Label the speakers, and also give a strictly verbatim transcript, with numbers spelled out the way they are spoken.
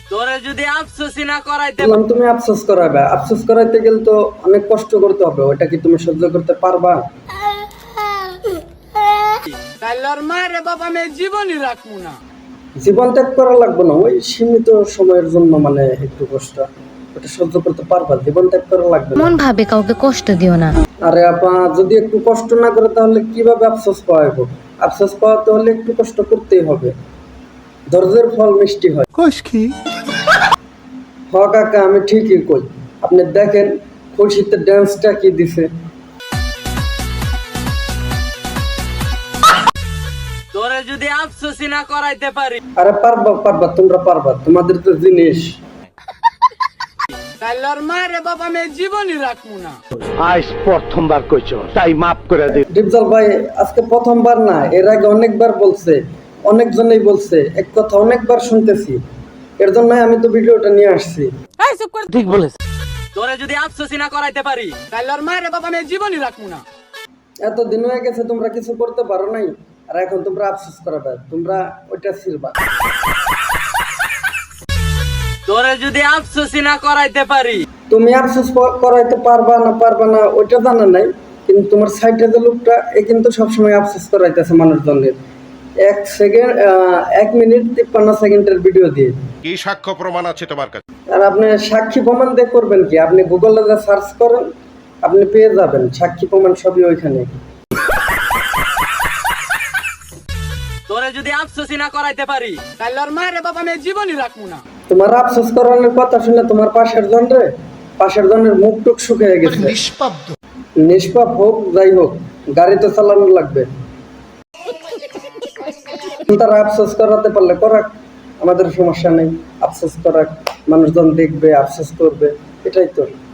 Speaker 1: তোরে যদি আফসোসই না করাইতে
Speaker 2: বললাম তুমি আফসোস করাবে, আফসোস করাইতে গেলে তো অনেক কষ্ট করতে হবে, ওটা কি তুমি সহ্য করতে পারবা?
Speaker 1: তাইলে আর মায়ের বাবা আমি জীবনই রাখবো না।
Speaker 2: জীবন ত্যাগ করা লাগবে না, ওই সীমিত সময়ের জন্য মানে একটু কষ্ট, ওটা সহ্য করতে পারবা, জীবন ত্যাগ করা লাগবে না।
Speaker 3: মন ভাবে কাউকে কষ্ট দিও না।
Speaker 2: আরে আপা যদি একটু কষ্ট না করে তাহলে কিভাবে আফসোস পাওয়া যাবে? আফসোস পাওয়াতে হলে একটু কষ্ট করতেই হবে, ধৈর্যের ফল মিষ্টি হয়।
Speaker 4: কোষ কি
Speaker 2: হ কাকা আমি ঠিকই কই, আপনি দেখেন খুশিতে ড্যান্সটা কি দিছে।
Speaker 1: তোরে যদি আফসোসই না করাইতে পারি
Speaker 2: আরে পারবা পারবা, তোমরা পারবা, তোমাদের তো জিনিস।
Speaker 1: তাইলে আর মায়ের বাবা আমি জীবনই রাখবো না।
Speaker 4: আজ প্রথমবার কইছো তাই মাফ করে দে।
Speaker 2: ডিপজল ভাই আজকে প্রথমবার না, এর আগে অনেকবার বলছে, অনেকজনেই বলছে, এক কথা অনেকবার শুনতেছি, এর জন্য আমি তো ভিডিওটা নিয়ে আসছি।
Speaker 4: ঠিক বলেছ।
Speaker 1: তোরে যদি আফসোসই না করাইতে পারি তাইলে আর মায়ের বাবা আমি জীবনই রাখবো না।
Speaker 2: এতদিন হয়ে গেছে তোমরা কিছু করতে পারো নাই, আর এখন তোমরা আফসোস করাবে, তোমরা ওইটা ছিড়বা।
Speaker 1: তোরে যদি আফসোসই না করাইতে পারি
Speaker 2: তুমি আফসোস প- করাইতে পারবা না পারবা না ওইটা জানা নাই, কিন্তু তোমার সাইডে যে লোকটা এ কিন্তু সবসময় আফসোস করাইতেছে মানুষজনের, এক সেকেন্ড এক মিনিট তিপ্পান্ন সেকেন্ডের ভিডিও দিয়ে।
Speaker 5: কি সাক্ষ্য প্রমাণ আছে তোমার কাছে?
Speaker 2: আর আপনি সাক্ষী প্রমাণ দিয়ে করবেন কি? আপনি গুগলে যা সার্চ করেন আপনি পেয়ে যাবেন, সাক্ষী প্রমাণ সবই ওইখানে।
Speaker 1: তোরে যদি আফসোসই না করাইতে পারি তাইলে আর মায়ের বাবা আমি জীবনই রাখবো না।
Speaker 2: তোমার আফসোস করানোর কথা শুনে তোমার পাশের জনরে পাশের জনের মুখ টুক শুকিয়ে গেছে। নিষ্পাপ হোক যাই হোক, গাড়ি তো চালানো লাগবে। তারা আফসোস করাতে পারলে করাক, আমাদের সমস্যা নেই, আফসোস করাক, মানুষজন দেখবে আফসোস করবে, এটাই তো।